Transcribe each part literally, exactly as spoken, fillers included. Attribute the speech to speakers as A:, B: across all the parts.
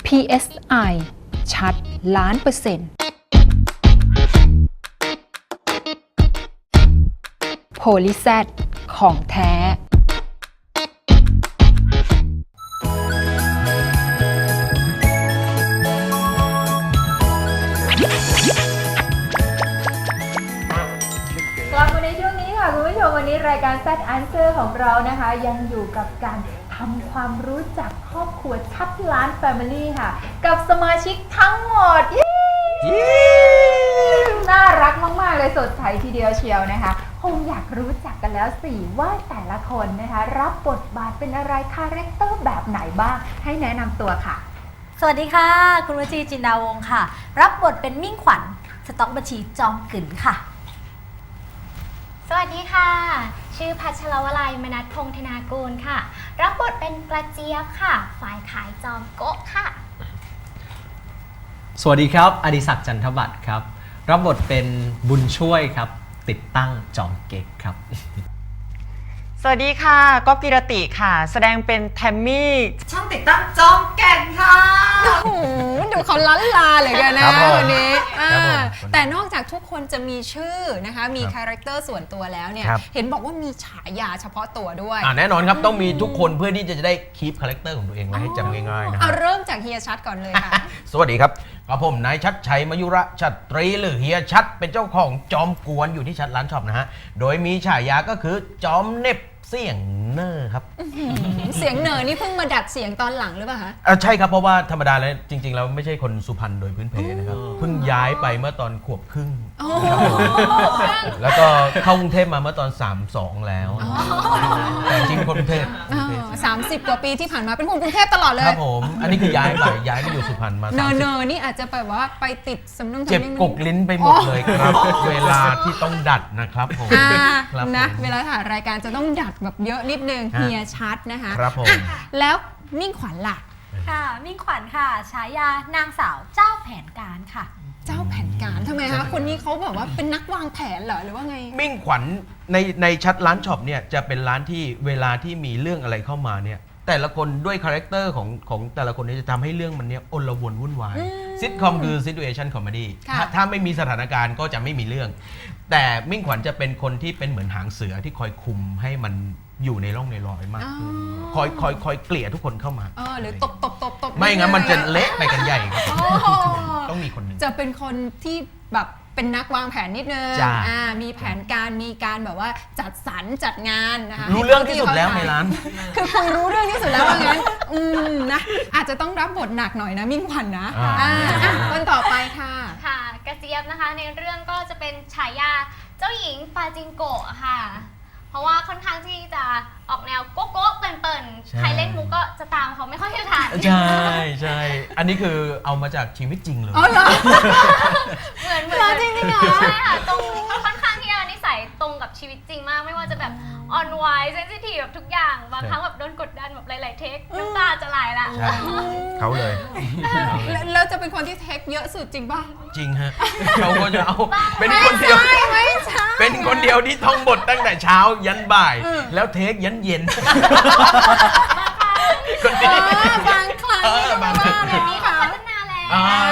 A: พี เอส ไอ ชัดล้านเปอร์เซ็นต์โพลิแซดของแท้
B: กลับมาในช่วงนี้ค่ะคุณผู้ชมวันนี้รายการ แซด Answer ของเรานะคะยังอยู่กับการทำความรู้จักครอบครัวชัดล้าน Family ค่ะกับสมาชิกทั้งหมดน่ารักมากๆเลยสดใสทีเดียวเชียวนะคะคงอยากรู้จักกันแล้วสิว่าแต่ละคนนะคะรับบทบาทเป็นอะไรคาแรคเตอร์แบบไหนบ้างให้แนะนำตัวค่ะ
C: สวัสดีค่ะคุณวจีจินดาวงศ์ค่ะรับบทเป็นมิ่งขวัญสต๊อกบัญชีจอมกึ๋นค่ะ
D: สวัสดีค่ะชื่อพัชรวลัยมนัสพงษ์ธนากูลค่ะรับบทเป็นกระเจี๊ยบค่ะฝ่ายขายจอมโก๊ะค่ะ
E: สวัสดีครับอดิศักดิ์จันทบัตรครับรับบทเป็นบุญช่วยครับติดตั้งจอมเก๊กครับ
F: สวัสดีค่ะก๊อฟกิรติค่ะแสดงเป็นแทมมี่ช่างติดตั้งจอมแก่นค่ะ
A: โอ้โหดูเขาล้านลาเลยกันนะวันนี้แต่นอกจากทุกคนจะมีชื่อนะคะมีคาแรคเตอร์ส่วนตัวแล้วเนี่ยเห็นบอกว่ามีฉายาเฉพาะตัวด้วย
G: แน่นอนครับต้องมีทุกคนเพื่อที่จะได้คีปคาแรคเตอร์ของตัวเองไว้ให้จำง่ายๆนะ
A: เอาเริ่มจากเฮียชัดก่อนเลยค่ะ
G: สวัสดีครับกับผมนายชัดชัยมยุระชัตรีหรือเฮียชัดเป็นเจ้าของจอมกวนอยู่ที่ชัดร้านช็อปนะฮะโดยมีฉายาก็คือจอมเน็บเสียงเนอร์ครับ
A: เสียงเนอร์นี่เพิ่งมาดัดเสียงตอนหลังหรือเปล่าคะ
G: ใช่ครับเพราะว่าธรรมดาแล้วจริงๆแล้วไม่ใช่คนสุพรรณโดยพื้นเพนะครับเพิ่งย้ายไปเมื่อตอนขวบครึ่งแล้วก็เข้ากรุงเทพมาเมื่อตอนสามสองแล้วแต่จริงคนกรุงเทพ
A: สามสิบกว่าปีที่ผ่านมาเป็นคนกรุงเทพตลอดเลย
G: ครับผมอันนี้คือย้ายไปย้ายไปอยู่สุพรรณมา
A: เนอเนอนี่อาจจะแบบว่าไปติดสำนัก
G: เจ็บกกลิ้นไปหมดเลยครับเวลาที่ต้องดัดนะครับผม
A: นะเวลาถ่ายรายการจะต้องดัดแบบเยอะนิดนึงเฮียชัดนะคะ
G: ครับผม
A: แล้วมิ่งขวัญล่ะ
C: ค่ะมิ่งขวัญค่ะฉายานางสาวเจ้าแผนการค่ะ
A: เจ้าแผนการทำไมคะคนนี้เขาแบบว่าเป็นนักวางแผนเหรอหรือว่าไง
G: มิ่งขวัญในในชัดร้านช็อปเนี่ยจะเป็นร้านที่เวลาที่มีเรื่องอะไรเข้ามาเนี่ยแต่ละคนด้วยคาแรคเตอร์ของของแต่ละคนนี้จะทำให้เรื่องมันเนี้ยอลวนวุ่นวายซิทคอมคือ situation comedy ถ้าถ้าไม่มีสถานการณ์ก็จะไม่มีเรื่องแต่มิ่งขวัญจะเป็นคนที่เป็นเหมือนหางเสือที่คอยคุมให้มันอยู่ในร่องในรอยมากขึ้นคอยคอยคอยเกลี่ยทุกคนเข้ามา
A: เออหรือตบตบตบตบ
G: ไม่งั้นมันจะเละไปกันใหญ่ครับต้องมีคนหนึ่ง
A: จะเป็นคนที่แบบเป็นนักวางแผนนิดนึงอ่ามีแผนการมีการแบบว่าจัดสรรจัดงานนะคะ
G: รู้เรื่องที่สุดแล้วในร้าน
A: คือคุณรู้เรื่องที่สุดแล้วว่างั้นอืมนะอาจจะต้องรับบทหนักหน่อยนะมิ่งขวัญนะอ่าคนต่อไปค่ะ
D: ค่ะกระเจี๊ยบนะคะในเรื่องก็จะเป็นฉายาเจ้าหญิงปาจิงโกะค่ะเพราะว่าค่อนข้างที่จะออกแนวโก๊ะโก๊ะเปิ่นๆใครเล่นมุกก็จะตามเขาไม่ค่อยทัน
G: ใช่ใช่อันนี้คือเอามาจากชีวิตจริงเลย
A: อ๋อเหรอ
D: เหมือนเหมือนจริงจริงเหรอใช่ค่ะตรงค่อนข้างที่จะนิสัยตรงกับชีวิตจริงมากไม่ว่าจะแบบอ่อนไหวเซนซิทีฟแบบทุกอย่างบางครั้งแบบโดนกดดันแบบหลายๆเทคน้ำตาจะไหลละ
G: เขาเลย
A: แล้วจะเป็นคนที่เทคเยอะสุดจริงป่ะ
G: จริงฮะเขาก็จะเอาเป็นคนเดียวเป็นคนเดียวที่ท่องบทตั้งแต่เช้ายันบ่ายแล้วเทคยันเย็น
A: คนนี้บางครั้งบางครั้ง
D: แบบนี้เขาพัฒนาแล้ว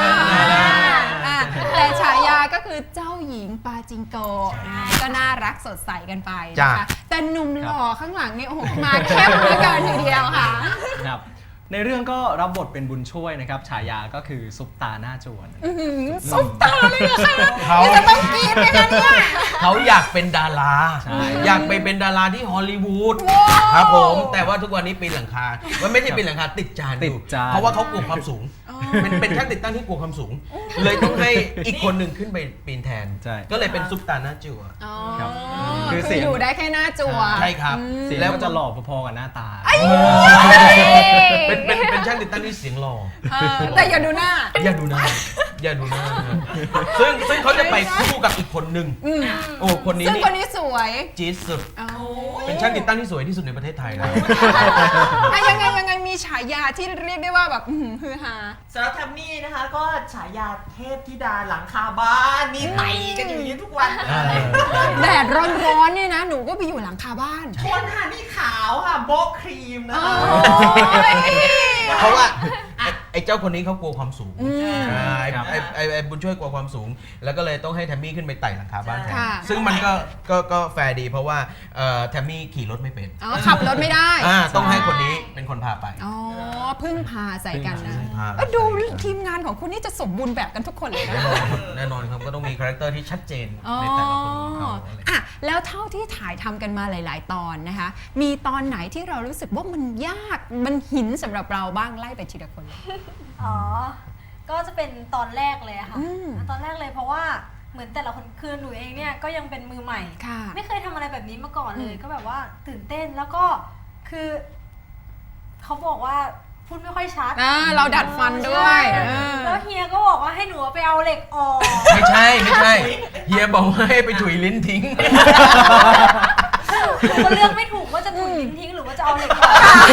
A: แต่ฉายาก็คือเจ้าหญิงปาจิงโกะก็น่ารักสดใสกันไปนะคะแต่หนุ่มหล่อข้างหลังนี่โอ้โหมาเข้มเหลือเกินทีเดียวค่ะ
E: ครับในเรื่องก็รับบทเป็นบุญช่วยนะครับฉายาก็คือซุปตาหน้าจวน
A: ซุปตาเลยนะคะเขาจะต้องกินไหมคะเนี่ย
G: เขาอยากเป็นดาราอยากไปเป็นดาราที่ฮอลลีวูดครับผมแต่ว่าทุกวันนี้ปีนหลังคามันไม่ใช่ปีนหลังคาติดจานอยู่เพราะว่าเขากลัวความสูงเป็นเป็นช่างติดตั้งที่กลัวความสูงเลยต้องให้อีกคนหนึ่งขึ้นไปปีนแทนก็เลยเป็นซุปตาหน้าจั่ว
A: คือเสียงอยู่ได้แค่หน้าจั่ว
G: ใช่ครับ
E: แล้วก็จะหล่อพอๆกับหน้าตา
G: เป็นเป็นเป็นช่างติดตั้งที่เสียงหล่อ
A: แต่อย่าดูหน้า
G: อย่าดูหน้าอย่าดูหน้าซึ่งซึ่งเขาจะไปคู่กับอีกคนหนึ่งโอ้คนนี้
A: ซึ่งคนนี้สวย
G: จี๊ดสุดเป็นช่างติดตั้งที่สวยที่สุดในประเทศไทยแล้ว
A: ยังไงยังไงมีฉายาที่เรียกได้ว่าแบบฮือฮา
F: สำหรับแทมมี่นะคะก็ฉายาเทพธิดาหลังคาบ้านมีไต่กันอยู่นี้ทุกวัน
A: แดดร้อนๆเนี่ยนะหนูก็ไปอยู่หลังคาบ้าน
F: คนค่ะนี่ขาวค่ะโบ๊ะครีมนะคะ
G: เพราะว่าไไอ้เจ้าคนนี้เขากลัวความสูง
A: อืม
G: อ่าไอ้
E: ครับ
G: ไอ้ไอ้ไอ้บุญช่วยกลัวความสูง แล้วก็เลยต้องให้แทมมี่ขึ้นไปไต่หลังคาบ้านแทน
A: ค่ะ
G: ซึ่งมันก็ก็ก็แฟร์ดีเพราะว่าเอ่อแทมมี่ขี่รถไม่เป็น
A: อ๋อขับรถไม่ได้
G: อ่าต้องให้คนนี้เป็นคนพาไป
A: อ๋อพึ่งพาใส่กันนะ
G: พึ่งพา
A: เอ้ยดูทีมงานของคุณนี่จะสมบูรณ์แบบกันทุกคนเลยนะ
G: แน่นอนครับแน่นอนครับก็ต้องมีคาแรคเตอร์ที่ชัดเจน
A: อ๋อ
G: ในแต่ละคนของเขาอะไร
A: อ่ะแล้วเท่าที่ถ่ายทำกันมาหลาย ๆ ตอนนะคะ มีตอนไหนที่เรารู้สึกว่ามันยากมันหินสำหรับเราบ้างไล่ไปทีละคนเลย
C: อ๋อ ก็จะเป็นตอนแรกเลยอะค่ะ
A: อืม
C: ตอนแรกเลยเพราะว่าเหมือนแต่ละคนคือหนูเองเนี่ยก็ยังเป็นมือใหม่
A: ค่ะ
C: ไม่เคยทำอะไรแบบนี้มาก่อนเลย
A: อืม
C: ก็แบบว่าตื่นเต้นแล้วก็คือเขาบอกว่าพูดไม่ค่อยชัด
A: อ่าเราดัดฟันด้วย
C: ใช่
A: เออ
C: แล้วเฮียก็บอกว่าให้หนูไปเอาเหล็กออก
G: ไม่ใช่ไม่ใช่เฮียบอกว่าให้ไปถุยลิ้นทิ้ง
C: หนูก็เลือกไม่ถูกว่าจะถุยลิ้นทิ้งหรือว่าจะเอาเหล็กออก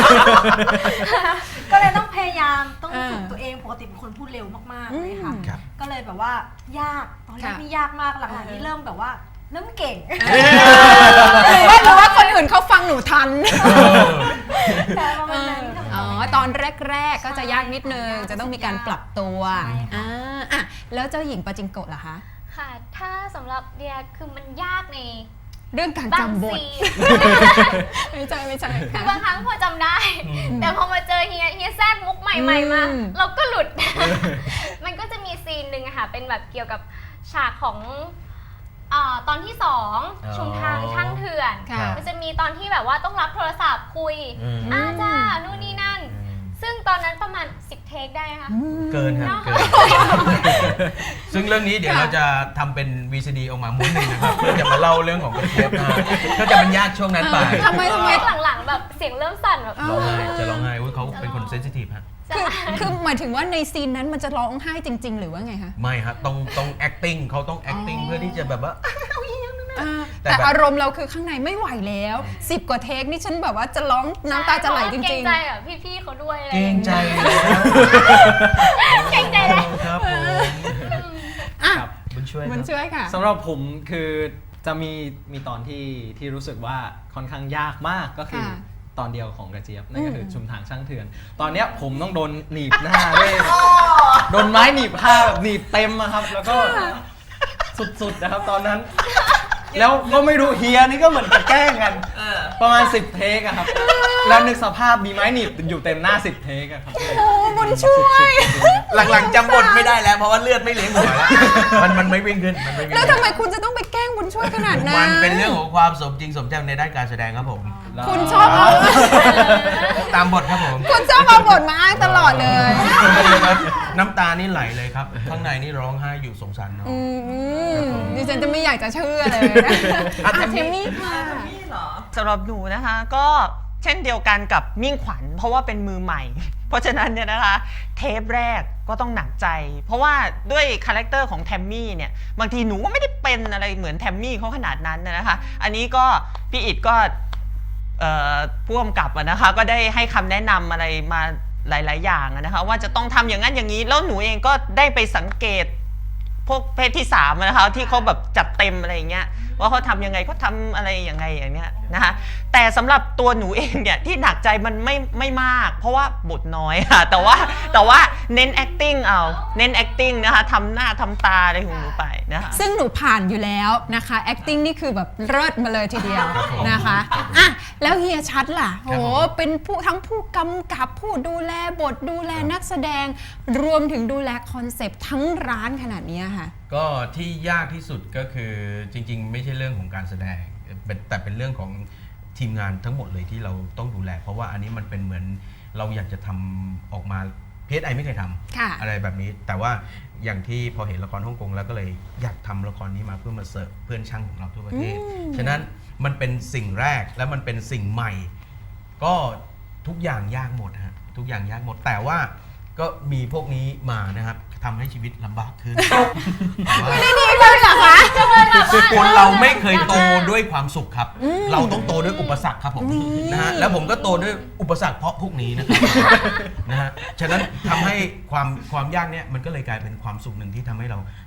C: ก็เลยต้องพยายามต้องฝึกตัวเองปกติเป็นคนพูดเร็วมากๆเลยค่ะ
G: ครับ
C: ก็เลยแบบว่ายากตอนแรก
A: ค่ะ
C: นี่ยากมากหลังๆนี่เริ่มแบบว่าเริ่มเก่ง
A: หรือว่าหรือว่าคนอื่นเขาฟังหนูทัน
C: แต่ประมาณนั้นค่ะ
A: อ๋อ ตอนแรก ๆ ก็จะยากนิดนึง จะต้องมีการปรับตัว
C: ใช่ค่ะ
A: อ่าอ่ะแล้วเจ้าหญิงปาจิงโกะล่ะคะ
D: ค่ะ ถ้าสำหรับเดียคือมันยากใน
A: เรื่องการ
D: บาง
A: จำบท
D: ซีน
A: ไม่ใช่ไม่ใช่
D: คื
A: ค่ะ
D: อบางครั้งพอจำได้ แต่พอมาเจอเฮียเฮียแทรกมุกใหม่ๆมา
A: อืม
D: เราก็หลุด มันก็จะมีซีนหนึ่งอะค่ะ เป็นแบบเกี่ยวกับฉากของเอ่อตอนที่สอง
G: อ๋อ
D: ชุมทางช่างเถื่อน
A: ค่ะ
D: มันจะมีตอนที่แบบว่าต้องรับโทรศัพท์คุย
G: อืม
D: อาจ้านู่นนี่นั่น ซึ่งตอนนั้นประมาณสิบเทคได้ค่ะ
G: เกินครับเกิน ซึ่งเรื่องนี้เดี๋ยวเราจะทำเป็น วี ซี ดี ออกมาม้วนหนึ่งนะครับ เพื่อจะมาเล่าเรื่องของกระเทียบนะก็จะมันยากช่วงนั้นไป
A: ทำไมทำไม
D: หลังๆแบบเสียงเริ่มสั่นแบบ
G: ร้องไห้จะร้องไห้อุ๊ยเขาเป็นคนเซนซิทีฟฮะ
A: คือคือหมายถึงว่าในซีนนั้นมันจะร้องไห้จริง ๆ หรือว่าไงคะ
G: ไม่ฮะต้องต้อง acting เขาต้อง acting เพื่อที่จะแบบว่า
A: อ่า
G: แต่
A: แต่
G: แบบ
A: อารมณ์เราคือข้างในไม่ไหวแล้วสิบกว่าเทคนี่ฉันแบบว่าจะร้องน้ำตาจะไหลจ
D: เกร
A: ริ
D: ง
A: ง
D: ใจอ่ะพี่ๆเขาด้วยอะไร
G: เกรงใจแล้ว
D: เกรงใจเลย
G: ครับผม
A: ๆอ่ะ
E: ครับ
G: บุญช่วย
A: มัน
G: ครับ
A: ช่วยค่ะ
E: สำหรับผมคือจะมีมีตอนที่ที่รู้สึกว่าค่อนข้างยากมากก็คือ
A: ค่ะ
E: ตอนเดียวของกระเจี๊ยบนั่นก็คืออ
A: ม
E: ชุมทางช่างเถื่อน ตอนเนี้ยผมต้องโดนหนีบหน้าด้วยโดนไม้หนีบผ้าแบบหนีบเต็มอะครับ แล้วก็สุดๆนะครับตอนนั้น แล้วก็ไม่รู้เฮียนี่ก็เหมือนจะแกล้งกันประมาณสิบเทคอะครับ แล้วนึกสภาพมีไม้หนีบอยู่เต็มหน้าสิบเทคอะครับ
A: โอ้บุญช่วย
G: หลังๆจำบทไม่ได้แล้วเพราะว่าเลือดไม่เลี้ยงหัวแล้วมันมันไม่วิ่งขึ้นมันไม่วิ่ง
A: แล้ว
G: ขึ้น
A: ทำไมคุณจะต้องไปแกล้งบุญช่วยขนาดนั้น
G: มันเป็นเรื่องของความสมจริงสมจังในด้านการแสดงครับผม
A: คุณชอบเอา
G: ตามบทครับผม
A: คุณชอบเอาบทมาอ้างตลอดเลย
G: น้ำตานี่ไหลเลยครับ ข้างในนี่ร้องไห้อยู่สงสารน้อง
A: อืมดิฉันจะไม่อยากจะเชื่อเลยนะ
G: อ่ะ
A: อ่ะ
G: เท
A: เท
G: ม
A: ม
G: มี่
A: มี่ค่ะ
F: สำหรับหนูนะคะก็เช่นเดียวกันกับมิ่งขวัญเพราะว่าเป็นมือใหม่ เพราะฉะนั้นเนี่ยนะคะเทปแรกก็ต้องหนักใจ เพราะว่าด้วยคาแรคเตอร์ของแทมมี่เนี่ยบางทีหนูก็ไม่ได้เป็นอะไรเหมือนแทมมี่เขาขนาดนั้นนะคะ อันนี้ก็พี่อิดก็เอ่อผู้กำกับอะนะคะก็ได้ให้คำแนะนำอะไรมาหลาย ๆ อย่างอะนะคะว่าจะต้องทำอย่างนั้นอย่างนี้แล้วหนูเองก็ได้ไปสังเกตพวกเพศที่สามอะนะคะที่เขาแบบจัดเต็มอะไรอย่างเงี้ยว่าเขาทำยังไงเขาทำอะไรยังไงอย่างเงี้ยนะคะแต่สำหรับตัวหนูเองเนี่ยที่หนักใจมันไม่ไม่มาก เพราะว่าบทน้อยค่ะแต่ว่าแต่ว่าเน้น acting เอาเน้น acting นะคะทำหน้าทำตาอะไรของหนูไปนะคะ
A: ซึ่งหนูผ่านอยู่แล้วนะคะ acting นี่คือแบบเลิศมาเลยทีเดียวนะคะอ่ะแล้วเฮียชัดล่ะโหเป็นผู้ทั้งผู้กำกับผู้ดูแลบทดูแลนักแสดง รวมถึงดูแลคอนเซปต์ทั้งร้านขนาดนี้ค่ะ
G: ก็ที่ยากที่สุดก็คือจริงๆ ไม่ใช่เรื่องของการแสดงเป็นแต่เป็นเรื่องของทีมงานทั้งหมดเลยที่เราต้องดูแล เพราะว่าอันนี้มันเป็นเหมือนเราอยากจะทำออกมาพีเอสไอไม่เคยท
A: ค่ะ
G: ำอะไรแบบนี้ แต่ว่าอย่างที่พอเห็นละครฮ่องกงแล้วก็เลยอยากทำละครนี้มาเพื่อมาเสิร์ฟเพื่อนช่างของเราทั่วประเทศ ฉะนั้นมันเป็นสิ่งแรกและมันเป็นสิ่งใหม่ ก็ทุกอย่างยากหมดฮะทุกอย่างยากหมดแต่ว่าก็มีพวกนี้มานะครับทำให้ชีวิตลำบากขึ้น
A: ไม่ได้ดีขึ้นเหรอคะ
G: คนเราไม่เคยโตด้วยความสุขครับ เราต้องโตด้วยอุปสรรคครับผมนะฮะแล้วผมก็โตด้วยอุปสรรคเพราะพวกนี้นะครับ นะฮะฉะนั้นทำให้ความความยากเนี่ยมันก็เลยกลายเป็นความสุขหนึ่งที่ทำให้เรา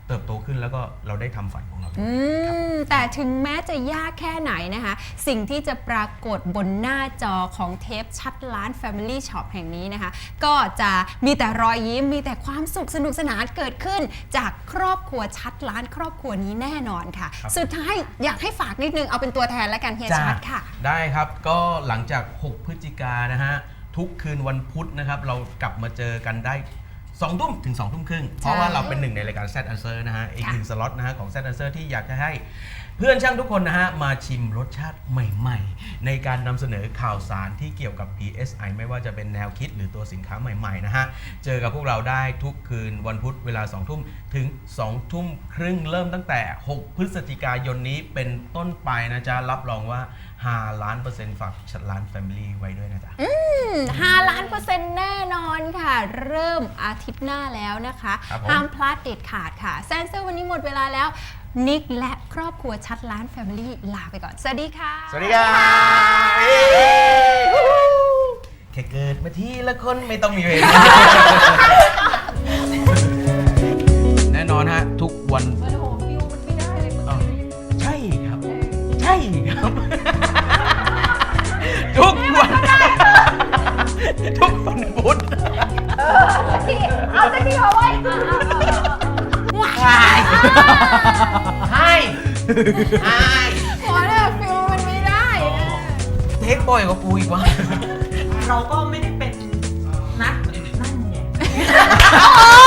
G: เติบโตขึ้นแล้วก็เราได้ทำฝันของเรา
A: อืมแต่ถึงแม้จะยากแค่ไหนนะคะ สิ่งที่จะปรากฏบนหน้าจอของเทปชัดล้าน Family Shop แห่งนี้นะคะ ก็จะมีแต่รอยยิ้มมีแต่ความสุขสนุกสนานเกิดขึ้น จากครอบครัวชัดล้านครอบครัวนี้แน่นอนค่ะ
G: ครับ
A: สุดท้ายอยากให้ฝากนิดนึงเอาเป็นตัวแทนแล้วกันเฮียชัดค่ะ
G: ได้ครับก็หลังจาก หก พฤศจิกายนนะฮะ ทุกคืนวันพุธนะครับ เรากลับมาเจอกันได้สองทุ่มถึงสองทุ่มครึ่ง เพราะว่าเราเป็นหนึ่งในรายการ Z Answer นะฮะ อีกหนึ่งสล็อตนะฮะของ Z Answer ที่อยากจะให้เพื่อนช่างทุกคนนะฮะ มาชิมรสชาติใหม่ๆ ในการนำเสนอข่าวสารที่เกี่ยวกับ พี เอส ไอ ไม่ว่าจะเป็นแนวคิดหรือตัวสินค้าใหม่ๆนะฮะ เจอกับพวกเราได้ทุกคืนวันพุธเวลาสองทุ่มถึงสองทุ่มครึ่งเริ่มตั้งแต่ หก พฤศจิกายนนี้เป็นต้นไปนะจ๊ะรับรองว่าห้าล้านเปอร์เซ็นต์ฝากชัดล้าน Family ไว้ด้วยนะจ๊ะ
A: ห้าล้านเปอร์เซ็นต์แน่นอนค่ะ เริ่มอาทิตย์หน้าแล้วนะคะ
G: ครับผม
A: ห้ามพลาดเด็ดขาดค่ะแซนเซอร์วันนี้หมดเวลาแล้ว นิกและครอบครัวชัดล้าน Family ลาไปก่อน สวัสดีค่ะ
G: สวัสดีครับแค่เกิดมาทีละคนไม่ต้องมีเวลา แน่นอนฮะ ทุกวัน
B: โอ้โหฟิวมันไม่ได้เลย
G: อ้าวใช่ครับ ใช่ครับ ทุกวัน ทุกวันพุธ
B: ที่เอาสักทีเอาไว้
G: ให้ให้
A: พอแล้วฟิลมันไม่ได้นะ
G: เทคบ่อยกว่ากูอีกวะ
F: เราก็ไม่ได้เป็นนักนั่นไง
A: โอ้